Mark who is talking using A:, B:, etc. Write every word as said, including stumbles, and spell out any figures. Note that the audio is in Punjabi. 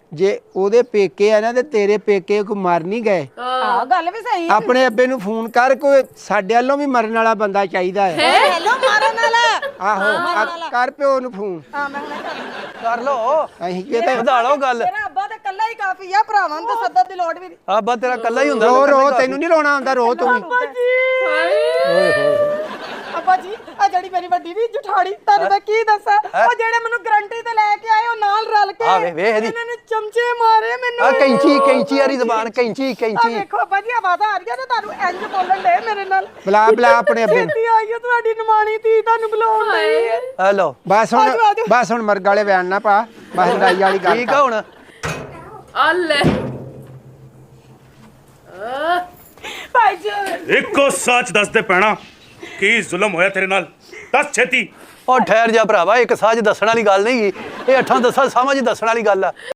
A: ਜੇ ਉਹਦੇ ਪੇਕੇ ਆ ਨਾ ਤੇ ਤੇਰੇ ਪੇਕੇ ਕੋ ਮਰ ਨਹੀਂ ਗਏ।
B: ਆਹ ਗੱਲ ਵੀ ਸਹੀ।
A: ਆਪਣੇ ਅੱਬੇ ਨੂੰ ਫੋਨ ਕਰ, ਕੋਈ ਸਾਡੇ ਵੱਲੋਂ ਵੀ ਮਰਨ ਵਾਲਾ ਬੰਦਾ ਚਾਹੀਦਾ ਹੈ।
B: ਹੈਲੋ ਮਾਰਨ ਵਾਲਾ।
A: ਆਹੋ ਕਰ ਪਿਓ ਨੂੰ ਫੋਨ।
B: ਹਾਂ ਮੈਂ ਹੁਣੇ
C: ਕਰ ਲੋ
A: ਅਸੀਂ ਕੀ ਤੇ
C: ਵਧਾ ਲਓ ਗੱਲ।
B: ਤੇਰਾ ਅੱਬਾ ਤੇ ਕੱਲਾ ਹੀ ਕਾਫੀ ਆ, ਭਰਾਵਾਂ ਨੂੰ ਤਾਂ ਸੱਦਣ ਦੀ ਲੋੜ ਵੀ ਨਹੀਂ।
C: ਆਬਾ ਤੇਰਾ ਕੱਲਾ ਹੀ ਹੁੰਦਾ।
A: ਰੋ ਰੋ ਤੈਨੂੰ ਨਹੀਂ ਰੋਣਾ ਆਉਂਦਾ, ਰੋ ਤੂੰ ਵੀ।
B: ਅੱਬਾ ਜੀ ਓਏ ਹੋਏ ਅੱਬਾ ਜੀ ਆ ਜਿਹੜੀ ਮੇਰੀ ਵੱਡੀ ਵੀ ਜਠਾੜੀ, ਤੁਹਾਨੂੰ ਮੈਂ ਕੀ ਦੱਸਾਂ, ਉਹ ਜਿਹੜੇ ਮੈਨੂੰ ਗਰੰਟੀ ਤੇ ਲੈ ਕੇ ਆਏ ਉਹ ਨਾਲ ਰਲ ਕੇ
C: ਆ ਵੇ ਵੇਖ ਇਹਦੀ
B: ਇਹਨਾਂ ਨੇ ਚਮਚੇ ਮਾਰੇ ਮੈਨੂੰ।
C: ਆ ਕੈਂਚੀ ਕੈਂਚੀ ਵਾਲੀ ਜ਼ਬਾਨ, ਕੈਂਚੀ
B: ਆ
C: ਕੈਂਚੀ।
B: ਵੇਖੋ ਅੱਬਾ ਜੀ ਆਵਾਜ਼ਾਂ ਆ ਰਹੀਆਂ ਤੇ ਤੁਹਾਨੂੰ ਇੰਜ ਬੋਲਣ ਦੇ ਮੇਰੇ ਨਾਲ।
A: ਬੁਲਾ ਬੁਲਾ ਆਪਣੇ ਅੱਬੇ ਨੂੰ।
B: ਛੇਤੀ ਆਈਓ, ਤੁਹਾਡੀ ਨਿਮਾਣੀ ਧੀ ਤੁਹਾਨੂੰ ਬੁਲਾਉਣ ਡਈ ਹੈ।
C: ਹੈਲੋ
A: ਬਸ ਹੁਣ ਬਸ ਹੁਣ ਮਰਗ ਵਾਲੇ ਵੈਣ ਨਾ ਪਾ, ਬਸ ਲੜਾਈ ਵਾਲੀ ਗੱਲ
C: ਠੀਕ ਆ ਹੁਣ।
D: ਆ ਲੈ
B: ਭਾਈ ਜੀ
E: ਇੱਕੋ ਸੱਚ ਦੱਸ ਦੇ ਪੈਣਾ, ਕੀ ਜ਼ੁਲਮ ਹੋਇਆ ਤੇਰੇ ਨਾਲ? ਦੱਸ ਛੇਤੀ।
C: ਉਹ ਠਹਿਰ ਜਾ ਭਰਾਵਾ, ਇੱਕ ਸਾਜ ਦੱਸਣ ਵਾਲੀ ਗੱਲ ਨਹੀਂ ਗੀ, ਇਹ ਅੱਠਾਂ ਦਸਾਂ ਸਾਵਾਂ 'ਚ ਦੱਸਣ ਵਾਲੀ ਗੱਲ ਆ।